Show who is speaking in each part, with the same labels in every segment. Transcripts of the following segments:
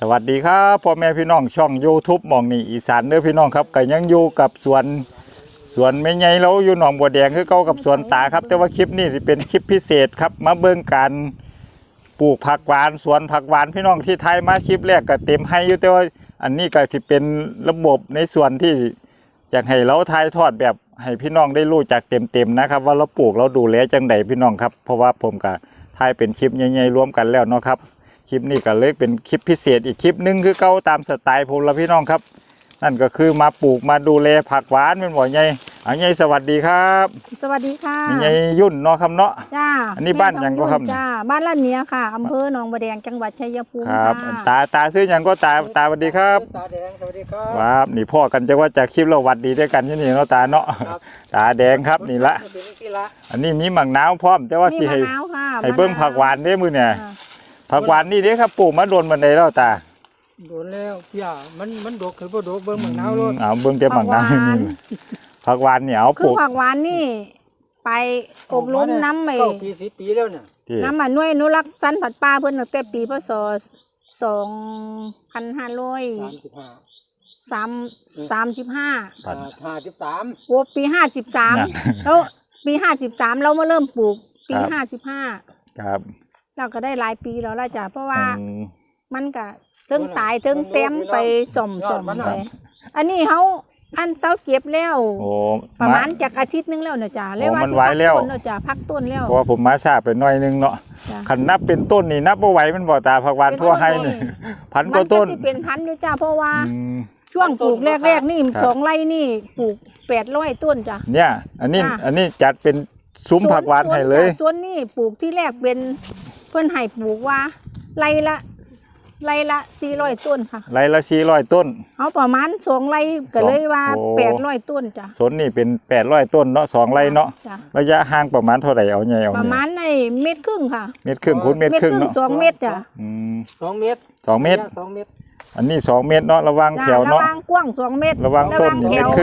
Speaker 1: สวัสดีครับพ่อแม่พี่น้องช่อง YouTube มองนี่อีสานเด้อพี่น้องครับก็ยังอยู่กับสวนไม่ใหญ่เราอยู่หนองบัวแดงคือเก่ากับสวนตาครับแต่ว่าคลิปนี้สิเป็นคลิปพิเศษครับมาเบิ่งการปลูกผักหวานสวนผักหวานพี่น้องที่ไทยมาคลิปแรกก็เต็มให้อยู่แต่ว่าอันนี้ก็สิเป็นระบบในส่วนที่อยากให้เราถ่ายทอดแบบให้พี่น้องได้รู้จักเต็มๆนะครับว่าเราปลูกเราดูแลจังใดพี่น้องครับเพราะว่าผมก็ถ่ายเป็นคลิปใหญ่ๆรวมกันแล้วเนาะครับคลิปนี้ก็เลยเป็นคลิปพิเศษอีกคลิปนึงคือเก่าตามสไตล์ผมละพี่น้องครับนั่นก็คือมาปลูกมาดูแลผักหวานเป็นบ่อใหญ่เอาใหญ่สวัสดีครับ
Speaker 2: สวัสดีค่ะ
Speaker 1: ใหญ่ยุ่นเนาะครับเนาะ
Speaker 2: จ้า
Speaker 1: อันนี้บ้านยังก็ครับ
Speaker 2: จ้าบ้านลาดเนี้ยค่ะอำเภอหนองบัวแดงจังหวัดชัยภูมิ
Speaker 1: ครับตาซื้อยังก็ตาสวัสดีครับ
Speaker 3: ตาแดงสวัสดีครับ
Speaker 1: ครับนี่พ่อกันจะว่าจากคลิปเราวัดดีด้วยกันที่นี่เนาะตาเนาะตาแดงครับนี่ละอันนี้มีหมักน้ำพร้อมแต่ว่าสิให้เบิ้งผักหวานได้มือเนี่ยผักหวานนี่เด้ครับปลูกมาโดนบันไดแล้วตา
Speaker 3: โดนแล้วพี่มันดกคือบ่ดกเบิ้งหมักน้ำรถ
Speaker 1: เอาเบิ้งแต่หมักน้ำนี่ผักหวานเนี่ยเอาปลูก
Speaker 2: ผักหวานนี่ไปอบรมน้ำไป
Speaker 3: ปี10 ปีแล้วเนี่ย
Speaker 2: น้ำหน่วยอนุรักษ์สันผัดปลาเพิ่นตั้งแต่ปีพศ2535โอ้ปี53แล้วปี53เรามาเริ่มปลูกปี55
Speaker 1: ครับ
Speaker 2: เราก็ได้หลายปีแล้วล่ะจ้ะเพราะว่ามันก็ถึงตายถึงแซมไปส่อมไปอันนี้เขาอันเสาเก็บแล้วประมาณจากอาทิตย์นึงแล้วเนาะจ้ะเรียกว่า
Speaker 1: มันไว้แล้ว
Speaker 2: เนาะจ้ะพักต้นแล้ว
Speaker 1: เพราะว่าผมมาทราบไปหน่อยนึงเนาะขันนับเป็นต้นนี่นับบ่ไหวมันบ่ตาผักหวานทั่วให้นี่พันกว่าต้น
Speaker 2: มันก็สิเป็นพันอยู่จ้ะเพราะว่าช่วงปลูกแรกๆนี่2 ไร่นี่ปลูก800 ต้นจ้ะ
Speaker 1: เนี่ยอันนี้จัดเป็นซุ้มผักหวานให้เลย
Speaker 2: ส่วนนี้ปลูกที่แรกเป็นเพิ่นให้ปลูกว่าไร่ละ400 ต้นค่ะ
Speaker 1: ไร่ละ400 ต้น
Speaker 2: เอาประมาณ2 ไร่ก็เลยว่า800 ต้นจ้ะ
Speaker 1: สวนนี่เป็น800 ต้นเนาะ2 ไร่เนาะระยะห่างประมาณเท่าไหร่เอาใหญ่เอา
Speaker 2: ประมาณใน1.5 เมตรค่ะ
Speaker 1: 1.5 เมตรคูณ1.5 เมตรเนาะ
Speaker 2: 2 เมตรจ้ะ
Speaker 3: 2 เมตร
Speaker 1: 2 เมตรอันนี้2 เมตรเนาะระวังแถวเนาะ
Speaker 2: ระวังกว้าง2 เมตร
Speaker 1: ระวังต้น1.5 เมตร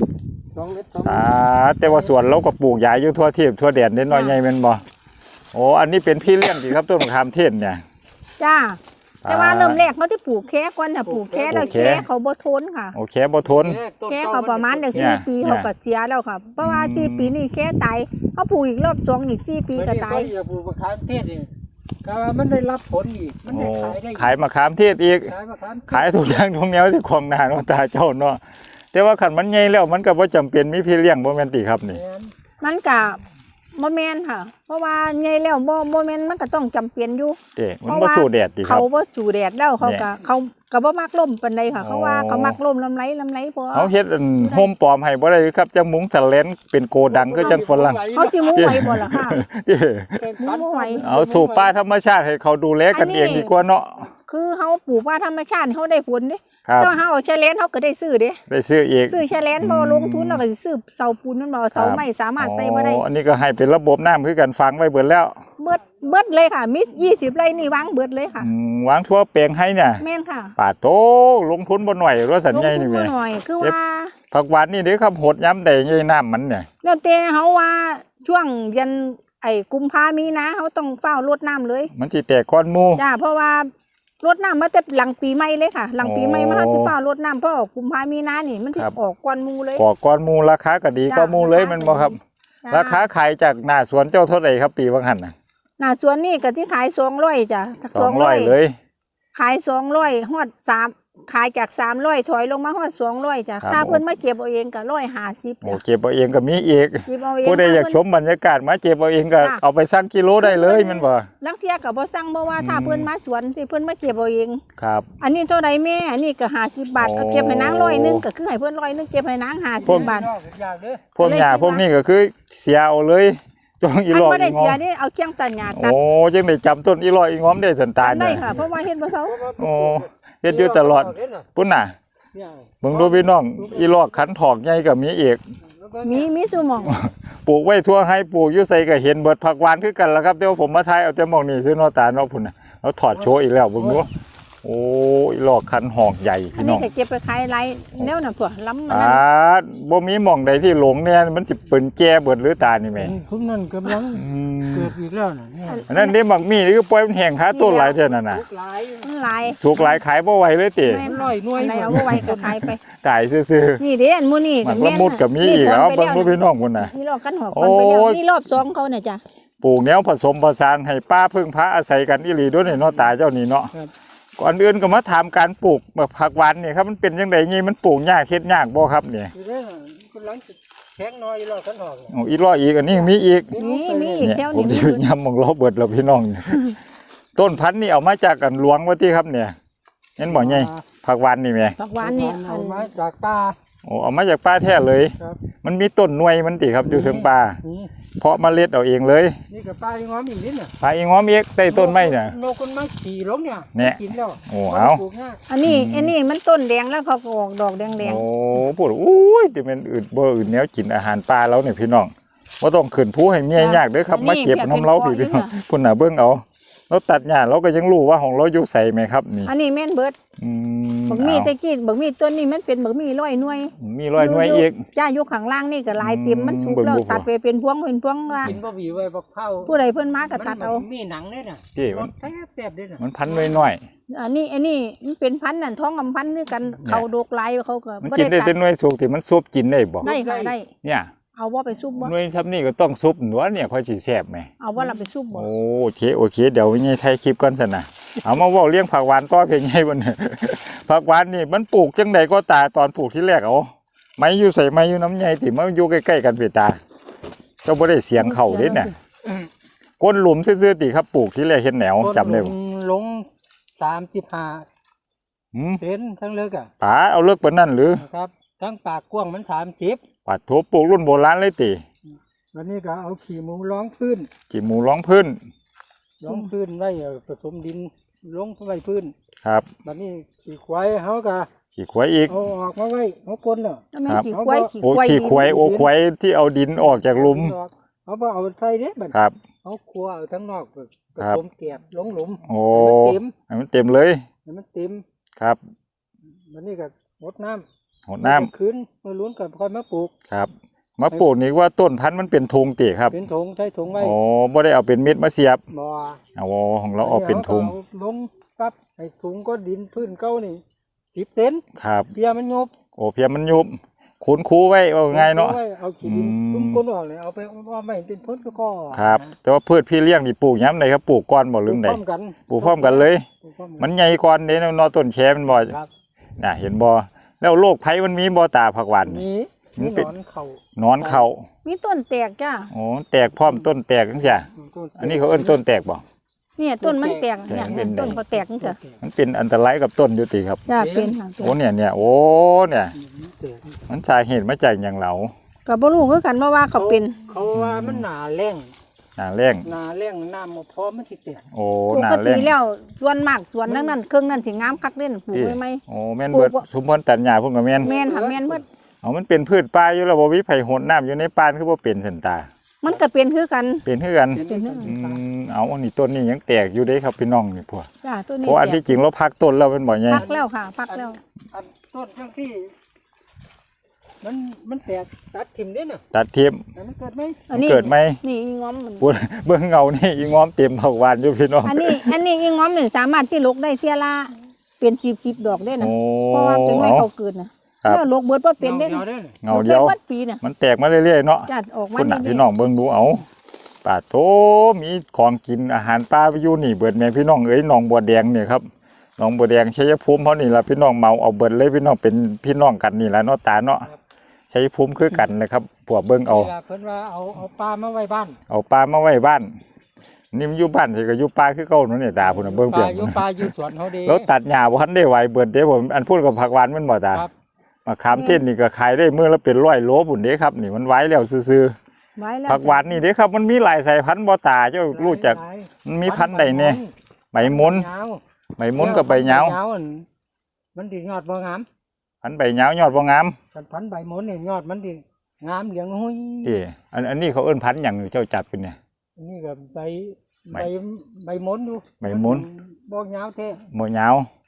Speaker 3: 2 เมตร
Speaker 1: แต่ว่าสวนเราก็ปลูกใหญ่อยู่ทั่วทิพย์ทั่วแดนนิดหน่อยใหญ่แม่นบ่โอ้อันนี้เป็นพี่เลี้ยงดีครับต้นมะขามเทศเนี่ย
Speaker 2: จ้าแต่ว่าเริ่มแรกเขาที่ปลูกแค่ก่อนถ้าปลูกแค่แล้วแค่เขาบ่ทนค่ะ
Speaker 1: โอเคบ่ทน
Speaker 2: แค่เขาประมาณ4 ปีเขาก็เสียแล้วค่ะเพราะว่า4 ปีนี่แค่ตายเขาปลูกอีกรอบ2อีก4 ปีก็ตาย
Speaker 3: อย่าปลูกมะขามเทศนี่ก็มันได้รับผลอีกมันได้
Speaker 1: ขายมะขามเทศอีกขายทุกอย่างทุกแนวที่ของหน้าเนาะตาเจ้าเนาะแต่ว่าขันมันใหญ่แล้วมันก็บ่จำเป็นมีพี่เลี้ยงบ่แม่นติครับนี่
Speaker 2: มันก็บ่แม่นค่ะเพราะว่าใหญ่แล้วบ่แม่นมันก็ต้องจำเป็นอยู่
Speaker 1: มันบ่สู้แดดติครับ
Speaker 2: เขาบ่สู้แดดแล้วเขาก็บ่มักลมปานใดค่ะเขาว่าเขามักลมลำไรพอ
Speaker 1: เขาเฮ็ดโฮมปลอมให้บ่ได้ครับจังมุงสแลนเป็นโกดังคือจังฝรั่ง
Speaker 2: เขาสิมุงไว้บ่ล่ะค่ะมุงไว้
Speaker 1: เอาสู่ป่าธรรมชาติให้เขาดูแลกันเองดีกว่าเนาะ
Speaker 2: คือเฮาปลูกป่าธรรมชาติเฮาได้ผลเด้ถ้าเฮาเอาแชเลนเฮาก็ได้ซื้อเด้
Speaker 1: ได้ซื้ออีก
Speaker 2: ซื้อแชเลนบ่ลงทุนแล้วก็สิซื้อเสาปูนมันบ่เสาไม้สามารถใส่บ่ได้
Speaker 1: อันนี้ก็ให้เป็นระบบน้ำคือกันฝังไว้เบิดแล้ว
Speaker 2: เบิดเลยค่ะมี20 ไร่นี่วางเบิดเลยค่ะ
Speaker 1: วางทั่วแปลงให้เนี่ย
Speaker 2: แม่นค่ะ
Speaker 1: ป่าโตลงทุนบ่หน่อยว่าสัญญานี่แม่
Speaker 2: ลงทุนบ่หน่อยคือว่า
Speaker 1: ผักหวานนี่เด้ครับหดย้ำได้ใหญ่น้ำมันเนี่ย
Speaker 2: แล้วแต่เฮาว่าช่วงเดือนกุมภามีนาเฮาต้องเฝ้ารดน้ำเลย
Speaker 1: มันสิแตกก้อนหมู่
Speaker 2: จ้าเพราะว่ารดน้ำมาแต่หลังปีใหม่เลยค่ะหลังปีใหม่มาเฮาสิเฝ้ารดน้ำเพราะออกกุมภามีนานี่มันสิออกก้อนหมู่เลย
Speaker 1: ออกก้อนหมู่ราคาก็ดีก็หมู่เลยมันบ่ครับราคาขายจากหน้าสวนเจ้าเท่าไหร่ครับปีบางหันน่ะ
Speaker 2: หน้าสวนนี่ก็ที่ขาย200จ้ะ
Speaker 1: 200เลย
Speaker 2: ขาย200ฮอด3ขายจาก300ถอยลงมาฮอด200จ้ะถ้าเพิ่นมาเก็บเอาเองก็150
Speaker 1: โอ้เก็บเอาเองก็มีอีกผู้ใดอยากชมบรรยากาศมาเก็บเอาเองก็เอาไปสั่งกิโลได้เลยแม่นบ่
Speaker 2: ลังเที่ยก็บ่สั่งเพราะว่าถ้าเพิ่นมาสวนสิเพิ่นมาเก็บเอาเอง
Speaker 1: ครับ
Speaker 2: อันนี้เท่าใดแม่อันนี้ก็50 บาทเก็บให้นาง100นึงก็คือให้เพิ่น100นึงเก็บให้นาง50 บาท
Speaker 1: พวกหญ้าพวกนี้ก็คือเสียเอาเลยจงอีหลอก
Speaker 2: บ่ได้เสียนี่เอาเคียงตัดหญ้าตัด
Speaker 1: โอ้จังได้จำต้นอีหลอกอีง้อมได้สันตา
Speaker 2: ได้ค่ะเพราะว่าเฮ็ดบ่เซา
Speaker 1: โอ้เฮ็ดอยู่ตลอดปุ่นน่ะมึงดูพี่น้องอีหลอกขันถอกใหญ่ก็มีอีก
Speaker 2: มีซุหม่อง
Speaker 1: ปลูกไว้ทั่วให้ปลูกอยู่ไสก็เห็นเบิดผักหวานคือกันล่ะครับเดี๋ยวผมมาถ่ายเอาแต่หม่องนี้ซื่อเนาะตาเนาะพุ่นน่ะแล้วถอดโชว์อีกแล้วเบิ่งดูโอ้โอ้ยลอกคันหอกใหญ่
Speaker 2: อัน
Speaker 1: พี่น้
Speaker 2: นี้
Speaker 1: อง
Speaker 2: ก็เก็บไปขายไรแนวน่ะพวกล้ำมัน
Speaker 1: อ่า
Speaker 2: นั่น
Speaker 1: บ่มีหม่องใดที่หลงเนี่ยมันสิเปิ้นแก่เบิดหรือตานี่แม่
Speaker 3: พวกนั้นกำลังเกิดอีกแล้วน่ะเนี่ย
Speaker 1: อันนั้นเด้บักมี่นี่คือปล่อยมันแห้งคาต้นหลายเท่านั้นน่ะ
Speaker 3: ลูกหลาย
Speaker 2: มันหลาย
Speaker 1: สุกหลายขายบ่ไหวเลยติ
Speaker 2: แม่น
Speaker 3: ร้อยหน่วย
Speaker 2: อันไหนเอาบ่ไว้ก็ขายไป
Speaker 1: ตายซื่อ
Speaker 2: นี่เด้อันหมู่นี่
Speaker 1: ๆมันละมุดก็มีอีกแล้วเบิ่งบ่พี่น้องพุ่นน่ะ
Speaker 2: นี่รอบกันหอกคนไปแล้ว
Speaker 1: โอ้ย
Speaker 2: นี่รอบ2เขาเนี่ยจ้ะ
Speaker 1: ปลูกแนวผสมผสานให้ป้าพึ่งพระอาศัยกันอีหลีด้วยนี่เนาะตาเจ้านี่เนาะ
Speaker 3: ครับ
Speaker 1: ก่อนอื่นก็มาถามการปลูกแบบผักหวานนี่ครับมันเป็นจังได๋นี่มันปลูกยากเฮ็ดยากบ่ครับนี่
Speaker 3: ทีนี้กำลังแข็งน้อยรอกันหอกเนี่ย
Speaker 1: โอ้อีกร้อยอีกอันนี้มีอีก
Speaker 2: นี่มีอีก
Speaker 1: เนี่ย
Speaker 2: แถว
Speaker 1: ผม
Speaker 2: นี้
Speaker 1: สิยำมองล้อเบิดแล้วพี่น้องนี่ ต้นพันธุ์นี่เอามาจากกันหลวงว่าที่ครับเนี่ยเห็นบ่ใหญ่ผักหวานนี่แม่
Speaker 2: ผักหวานเนี่ย
Speaker 3: เอามาจากป่า
Speaker 1: โอ้เอามาจากป่าแท้เลย
Speaker 3: ครับ
Speaker 1: มันมีต้นหน่วยมันติครับอยู่เชิงป่า
Speaker 3: นี่
Speaker 1: เพาะเมล็ดเอาเองเลย
Speaker 3: นี่กับป่าที่ง้อมอีกนิดน่ะ
Speaker 1: ปลาอีงอมเอกใต้ต้นไม้น่ะ
Speaker 3: นกคนมาขี่ลงเนี่ย
Speaker 1: เนี่ย
Speaker 3: กินแล้ว
Speaker 1: โอ้เอา
Speaker 3: ปลูกง่าย
Speaker 2: อันนี้มันต้นแดงแล้วเขาก็ออกดอกแดง
Speaker 1: โอ้พูดอุ้ยที่มันอื่นบ่อื่นแนวกินอาหารปลาแล้วเนี่ยพี่น้องบ่ต้องขึ้นภูให้เมียยากเด้อครับมาเก็บน้ำเล้าพี่น้องพุ่นน่ะเบิ่งเอาเราตัดหญ้าเราก็ยังรู้ว่าของเราอยู่ใส่ไหมครับนี่
Speaker 2: ๆอันนี้แม่นเบิด
Speaker 1: อืม
Speaker 2: บักมี่ตะกี้บักมี่ต้นนี้มันเป็นบักมี่ร้อยหน่วย
Speaker 1: มีรอยหน่วยอีก
Speaker 2: จ้าอยู่ข้างล่างนี่ก็หลายเต็มมันชุบ
Speaker 1: เบิ่ง
Speaker 2: แล้ว
Speaker 1: บ่พอ
Speaker 2: ตัดไปเป็นพวงว่า
Speaker 3: กินบะหมี่ไว้บักเผา
Speaker 2: ผู้ใดเพิ่นมาก็ตัดเอา
Speaker 3: มันมีหนังเนี่ยน่ะ
Speaker 1: ที่
Speaker 3: ร
Speaker 1: มัน
Speaker 3: สแซ่บๆด้วยน่ะ
Speaker 1: มันพันหน่อย
Speaker 2: อันนี้มันเป็นพันธุ์นั่นท้องกำพันธุ์ด้วยกันเขาดกหลายเขาก็
Speaker 1: ๆมัน
Speaker 2: บ่
Speaker 1: กินได้
Speaker 2: ตั
Speaker 1: แต่หน่วยสุกที่มันซุปกินได้บ่
Speaker 2: ได้ค่ะได้
Speaker 1: เนี่ย
Speaker 2: เอาว่าไปซุปบ่
Speaker 1: หน่วยทำนี่ก็ต้องซุปหนัวเนี่ยค่อยสิแซ่บไหม
Speaker 2: เอาว่าเราไปซุปบ่
Speaker 1: โอเคโอเคเดี๋ยววิญญาไทยคลิปก่อนสินะ เอามาเว่าเลี้ยงผักหวานต่อเพียงไงบน ผักหวานนี่มันปลูกจังใดก็ตาตอนปลูกที่แรกเอาไม้อยู่ใส่ไม้อยู่น้ำใหญ่ติมันอยู่ใกล้ๆกันเปตาเจ้าบ่ได้เสียงเข่าเด้เนี่ยก้นหลุมซื่อๆติครับปลูกที่แรกเห็นแนวจำได้บ่
Speaker 3: ลง35
Speaker 1: หืม
Speaker 3: เซนทั้งเลิกอ่ะ
Speaker 1: ป๋าเอาเลิกปานนั้นหรือ
Speaker 3: นะครับทั้งปากกว้างมัน30
Speaker 1: ปัดโถปลูกรุ่นโบราณเลยติ
Speaker 3: วันนี้ก็เอาขี้หมูร้องพื้น
Speaker 1: กี่หมูร้องพื้น
Speaker 3: ร้องพื้นไว้ผสมดินลงไว้พื้น
Speaker 1: ครับ
Speaker 3: วันนี้ขี้ควายเขาก็
Speaker 1: ขี่ควายอีก
Speaker 3: เอาออกมาไว้เขากลนเนาะ
Speaker 2: แล้วแม่น
Speaker 1: ครับ
Speaker 2: ขี้ควาย
Speaker 1: โอ้ขี่ควายโอ้ควายที่เอาดินออกจากหลุม
Speaker 3: เขาบ่เอาใส่เด้บัด
Speaker 1: ครับ
Speaker 3: เขาคั่วเอาทั้งนอกผ
Speaker 1: ครับ
Speaker 3: สมแกบลงหลุม
Speaker 1: โอ้
Speaker 3: ให้มันเต็ม
Speaker 1: ให้มันเต็มเลย
Speaker 3: ให้มันเต็ม
Speaker 1: ครับ
Speaker 3: วันนี้ก็รดน้ำ
Speaker 1: หดน้ำ
Speaker 3: คืนมาลุ้นกับค่อยมาปลูก
Speaker 1: ครับมาปลูกนี่ว่าต้นพันธุ์มันเป็นทุงติครับ
Speaker 3: เป็นถุงใช้ถุงไว้
Speaker 1: โอ้บ่ได้เอาเป็นเม็ดมาเสียบ
Speaker 3: บ่อ
Speaker 1: เอาของเราเอาเป็นทุง
Speaker 3: อาลงปั๊บให้ถุงก็ดินพื้นเก้านี่10 เซน
Speaker 1: ครับ
Speaker 3: เพียมันยบ
Speaker 1: โอ้เพียงมันยุบคูนคูไว้ว่าไงเนาะ
Speaker 3: อไว้เอาขี้ดิน
Speaker 1: อืม
Speaker 3: คุ้มก้นออกเลยเอาไปว่าไม่เป็นพ้นก็
Speaker 1: ครับ แต่ว่าพืชพี่เลี้ยงนี่ปลูกย้ำใดครับปลูกก้อนบ่หรือใด
Speaker 3: พร้อมกัน
Speaker 1: ปลูกพร้อมกันเลย
Speaker 3: ปลูกพร้อมกั
Speaker 1: มันใหญ่ก้อนเด้เนาะต้นแชมันบ่
Speaker 3: ครับ
Speaker 1: น่ะเห็นบ่แล้วโรคภัยมันมีบ่ตาผักหวานนี่
Speaker 3: มี
Speaker 1: มันเป็น
Speaker 3: หนอนเข่า
Speaker 1: หนอนเข้า
Speaker 2: มีต้นแตกจ้า
Speaker 1: โอ้แตกพร้อมต้นแตกจังซี่อันนี้เขาเอิ้นต้นแตกบ่
Speaker 2: เนี่ยต้นมันแตกเนี่ย
Speaker 1: เป็น
Speaker 2: ต้นเขาแตกจังซี่
Speaker 1: มันเป็นอันตรายกับต้นอยู่ติครับ
Speaker 2: จ้าเป็นค่ะ
Speaker 1: โอ้เนี่ยโอ้เนี่ยมันสาเหตุมาจากหยังเหลา
Speaker 2: ก็บ่รู้คือกันว่าเขาเป็น
Speaker 3: เขาว่ามันหนาแรง
Speaker 1: หน้าแรง
Speaker 3: หนาแรงน้ำมาพร้อมมันสิแตก
Speaker 1: โอ้
Speaker 2: ป
Speaker 1: หน้าก แร
Speaker 2: ติ
Speaker 1: ง
Speaker 2: แล้วส่วนมากส่วนนั้นเครื่องนั้นสิงามคักเด่นปลูกไว้ไหม
Speaker 1: โอ้แม่นเบิด
Speaker 2: ปลูกบ่
Speaker 1: ชุมพรตัดหญ้าพุ่นก็แม่น
Speaker 2: แม่นค่ะแม่นเบิด
Speaker 1: เอามันเป็นพืชป่าอยู่แล้วบ่มีไผโหดน้ำอยู่ในป่านคือบ่เป็นสันตา
Speaker 2: มันก็เป็นคือกัน
Speaker 1: เป็นคือกัน
Speaker 3: เป็น
Speaker 1: เอาอันนี้ต้นนี้ยังแตกอยู่เด้ครับพี่น้องนี่พวก
Speaker 2: จ้าต้น
Speaker 1: เพ
Speaker 2: นี้
Speaker 1: ราะอันที่จริงเราพักต้นแล้วเป็นบ่ใหญ่
Speaker 2: พักแล้วค่ะพักแล้ว
Speaker 3: อันต้นจังที่มันแตกตัดถิ่มเด้น่ะ
Speaker 1: ตัดเทียม
Speaker 3: แต่มันเกิดไหม
Speaker 2: อันนี้
Speaker 1: เกิดไหม
Speaker 2: นี่อีง้อมมัน
Speaker 1: ปุ่นเบิ่งเงานี่อีงอมเต็มผักหวานอยู่พี่น้อง
Speaker 2: อันนี้อีง้อมนี่สามารถที่ลกได้เที่ยละเป็น10ดอกได้นะ
Speaker 1: โอ้
Speaker 2: เพราะว่าเป็นไม้เขาเกิดนะครับ แล้วลกเบิดบ่เป็นได้
Speaker 3: เดียว
Speaker 2: นะ
Speaker 3: เด้น่ะ
Speaker 1: เงาเดียว
Speaker 2: ลกได้เบิดปีน่ะ
Speaker 1: มันแตกมาเรื่อยๆเนาะ
Speaker 2: จัดออกมา
Speaker 1: คุณน่ะ
Speaker 2: ดีๆ
Speaker 1: พี่น้องเบิ่งดูเอาปาโถมีของกินอาหารป่าไปอยู่นี่เบิดแม่พี่น้องเอ้ยหนองบัวแดงเนี่ยครับหนองบัวแดงชัยภูมิเฮานี่ล่ะพี่น้องเมาเอาเบิดเลยพี่น้องเป็นพี่น้องกันนี่ล่ะเนาะตาเนาะชัยภูมิคือกันนะครับพวกเบิ่งเอา
Speaker 3: เวลาเพิ่นว่าเอาปลามาไว้บ้าน
Speaker 1: เอาปลามาไว้บ้านนี่มันอยู่บ้านสิก็อยู่ป่าคือเก่านั่นนี่ตาพุ่นน่ะเบิ่ง
Speaker 3: ป
Speaker 1: เปีย
Speaker 3: ลาก อยู่ปลาอยู่สวนเขาดี
Speaker 1: แล้วตัดหญ้าบ่ทันได้ไหวเบิดเด้ผมอันพูดกับผักหวานมันบ่ตา
Speaker 3: ครับ
Speaker 1: มะขามเต้นนี่ก็ขายได้มื้อละเป็น100โลพุ่นเด้ครับนี่มันไว้แล้วซื่อ
Speaker 2: ไว้แล้ว
Speaker 1: ๆผักหวานนี่เด้ครับมันมีหลายสายพันธุ์บ่ตาเจ้ารู้จักมันมีพันธุ์ใดแน่ใบมุน
Speaker 3: ยาว
Speaker 1: ใบมุนกับใบเหยาว
Speaker 3: อันมันดียอดบ่งาม
Speaker 1: พันธุ์ใบเหยาวยอดบ่งาม
Speaker 3: กันพันใบมุนนี่ยอดมันดีงามเหลืองหุ้ย
Speaker 1: ที่อันนี้เขาเอิ้นพันธุ์หยังเจ้าจัดเป็นเนี่ย
Speaker 3: อันนี่ก็ใบ
Speaker 1: ใบ
Speaker 3: ใบมุนดู
Speaker 1: ใบมุน
Speaker 3: บ่ยาวแท้
Speaker 1: บ่เหยาว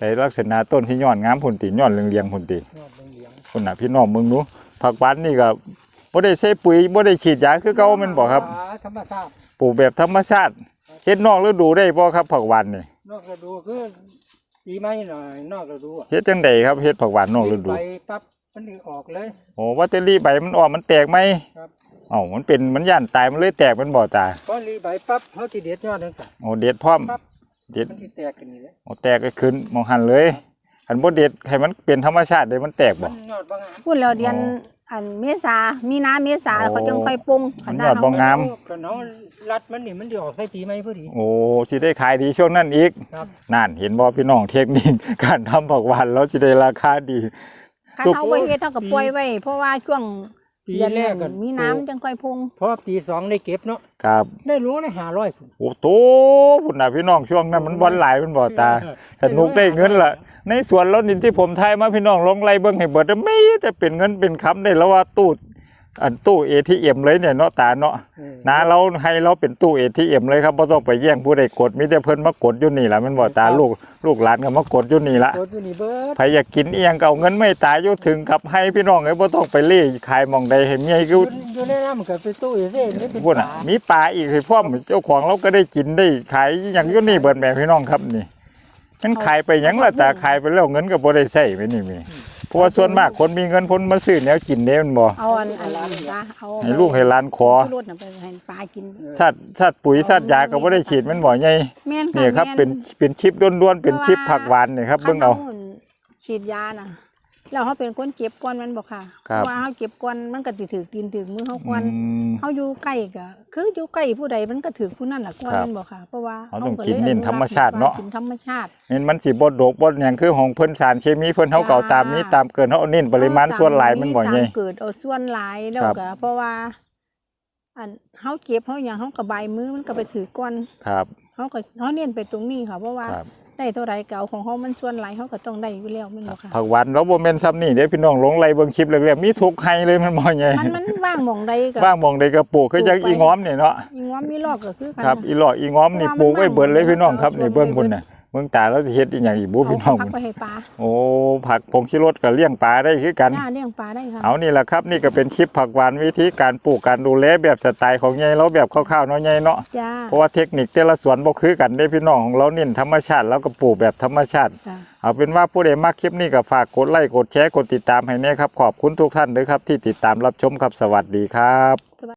Speaker 1: แต่ลักษณะต้นที่ย้อนงามพุ่นติย้อนเรียงๆพุ่นติ
Speaker 3: ยอดเหลือง
Speaker 1: พุ่นน่ะพี่น้องมึงดูผักหวานนี่ก็บ่ได้ใช้ปุ๋ยบ่ได้ฉีดยาคือเก่าแม่นบ่ครับ
Speaker 3: ธรรมชาติ
Speaker 1: ปลูกแบบธรรมชาติเฮ็ดนอกฤดูได้บ่ครับผักหวานนี่
Speaker 3: นอกฤดูคือปีใหม่หน่อยนอกฤดูอะ
Speaker 1: เฮ็ดจังไดครับเฮ็ดผักหวานนอกฤดู
Speaker 3: ไปปั๊บมันออกเลย
Speaker 1: โอ้ว่าแต่รีใบมันออกมันแตกไหม
Speaker 3: ครับ
Speaker 1: เอ้ามันเป็นมันย่านตายมันเลยแตกมันบ่ตา
Speaker 3: พอรีใบปั๊บเขาสิเด็ดยอดนั่นจ้ะ
Speaker 1: โอ้เด็ดพร้อม
Speaker 3: ปั๊บ
Speaker 1: เด็ด
Speaker 3: มันสิแตกกันนี่แหละ
Speaker 1: โอ้แตกก็ขึ้นมองหันเลยคันบ่เด็ดให้มันเป็นธรรมชาติเลยมันแตก
Speaker 3: มั
Speaker 1: บ่
Speaker 3: นยอดบางงาม
Speaker 2: พูดแล้วเดือน
Speaker 1: อ๋อ
Speaker 2: อันเมษามีนาเมษา
Speaker 1: โอ้
Speaker 2: เขาจึงค่อยปรุง
Speaker 1: มันยอดบ่งาม
Speaker 3: ก็น้องรัดมันนี่มันสิออกใส่ปีใหม่พอดี
Speaker 1: โอ้สิได้ขายดีช่วงนั้นอีก
Speaker 3: ครับ
Speaker 1: นั่นเห็นบ่พี่น้องเทคนิค การทำผักหวานแล้วสิได้ราคาดี
Speaker 2: คัน
Speaker 1: ทุก
Speaker 2: เฮาบ่เฮ็ดเฮาก็ปล่อยไว้เพราะว่าช่วง
Speaker 3: ปี
Speaker 2: เดือน
Speaker 3: แรกก็
Speaker 2: มีน้ำจังค่อยปรุง
Speaker 3: พอปีสองได้เก็บเนาะ
Speaker 1: ครับ
Speaker 3: ได้รู้เลย500พุ่น
Speaker 1: โอ้โตพุ่นน่ะพี่น้องช่วงนั้นมันบ่หลายมันบ่ตา สนุกได้เงินล่ะในสวนแล้วนี่ที่ผมทายมาพี่น้องลองไล่เบิ่งให้เบิดไม่แต่เป็นเงินเป็นคำได้แล้วว่าตู้ ATM เลยเนี่ยเนาะตาเนาะนะเราให้เราเป็นตู้ ATM เลยครับบ่ต้องไปแย่งผู้ใดกดมีแต่เพิ่นมากดอยู่นี่ล่ะมันบ่ตาลูกหลานก็มากดอยู่นี่ล่ะ
Speaker 3: รถอยู่นี่เบิด
Speaker 1: ใครอยากกินเอียงก็เอาเงินไม่ตายอยู่ถึงกับให้พี่น้องเอ้ยบ่ต้องไปเล่ขายหม่องใดให้เมียกู
Speaker 3: อยู่ในน้ำก็ไปตู้อยู่เด้ไม่เป็น
Speaker 1: พุ่นน่ะมีปลาอีกให้พร้อมเจ้าของเราก็ได้กินได้ขายอหย่างอยู่นี่เบิดแม่พี่น้องครับนี่มันขายไปหยังล่ะตาขายไปแล้วเงินก็บ่ได้ใช้ไปนี่แม่เพราะว่าส่วนมากคนมีเงินพ้นมาซื้อแนวกินเด้มันบ่
Speaker 2: เอาอันจ้ะเอา
Speaker 1: ให้ลูกให้หลานขอ
Speaker 2: รถน่ะไปให้ปลากิน
Speaker 1: สัตว์ปุ๋ยสัตว์ยาก็บ่ได้ฉีดมันบ่ใหญ่
Speaker 2: แม่นค่ะ
Speaker 1: นี่ครับ
Speaker 2: แม่
Speaker 1: เป็นชิปด้วนๆเป็นชิปผักหวานนี่ครับเบิ่งเอา
Speaker 2: คันฉีดยาน่ะแล้วเขาเป็นคนเก็บก่อนมันบอกค่ะ
Speaker 1: ครับ
Speaker 2: เพราะว่าเขาเก็บก่อนมันก็สิถือกินถือมือเขาก่อน
Speaker 1: อืม
Speaker 2: เขาอยู่ใกล้ก็คืออยู่ใกล้ผู้ใดมันก็ถือผู้นั่นแหละก่อน
Speaker 1: ครับ
Speaker 2: มันบอกค่ะ เพราะว่า
Speaker 1: เขาต้อง
Speaker 2: ลย
Speaker 1: กินเน้นธรรมชาติเนาะ
Speaker 2: กินธรรมชาติ
Speaker 1: นี่มันสิบ่ดกบ่หยังคือของเพิ่นสารเคมีเพิ่นเฮาเก่าตามนี้ตามเกินเฮาเอาเน้นปริมาณส่วนหลายมันบ่ใหญ่
Speaker 2: ตามเกิดเอาส่วนหลายแล้ว
Speaker 1: ครับ
Speaker 2: ก็เพราะว่า อันเขาเก็บเขาอย่างเขากระบายมือมันก็ไปถือก่อน
Speaker 1: ครับ
Speaker 2: เขาเน้นไปตรงนี้ค่ะ เพราะว่า
Speaker 1: ครับ
Speaker 2: ได้เท่าไรเก่าของเขามันส่วนหลายเขาก็ต้องได้อยู่แล้วแมันบอกค่ะ
Speaker 1: ผักหวานเราบ่แม่นซ้ำนี่เด้พี่น้องลงไล่เบิ่งคลิปแรกๆมีทุกไห้เลยมันบ่ใหญ่
Speaker 2: มันว่างหมองใดก็
Speaker 1: ว่างหมองใดก็ปลูกคือจักอีง้อมนี่เนาะ
Speaker 2: อีง้อมมีลอกก็คือกัน
Speaker 1: ครับ
Speaker 2: นะ
Speaker 1: อีหลออีง้อมนี่ปลูกไว้เบิดเลยพี่น้องครับนี่เบิ่งพุ่นน่ะเบิ่งตาแล้วสิเฮ็ดอีหยังอีกบ่พี่น้อง
Speaker 2: พักไปให้ปลา
Speaker 1: โอ้ผักผงชูรสก็เลี้ยงปลาได้คือกัน
Speaker 2: หน้าเลี้ยงปลาได้ค่ะ
Speaker 1: เอานี่แหละครับนี่ก็เป็นคลิปผักหวานวิธีการปลูกการดูแลแบบสไตล์ของยายเราแบบคร่าวๆเนาะยายเนาะ
Speaker 2: จ้า
Speaker 1: เพราะว่าเทคนิคแต่ละสวนบ่คือกันได้พี่น้องของเราเน้นธรรมชาติแล้วก็ปลูกแบบธรรมชาติ
Speaker 2: จ้า
Speaker 1: เอาเป็นว่าผู้ใดมักคลิปนี้ก็ฝากกดไลค์กดแชร์กดติดตามให้แน่ครับขอบคุณทุกท่านด้วยครับที่ติดตามรับชมครับสวัสดีครับ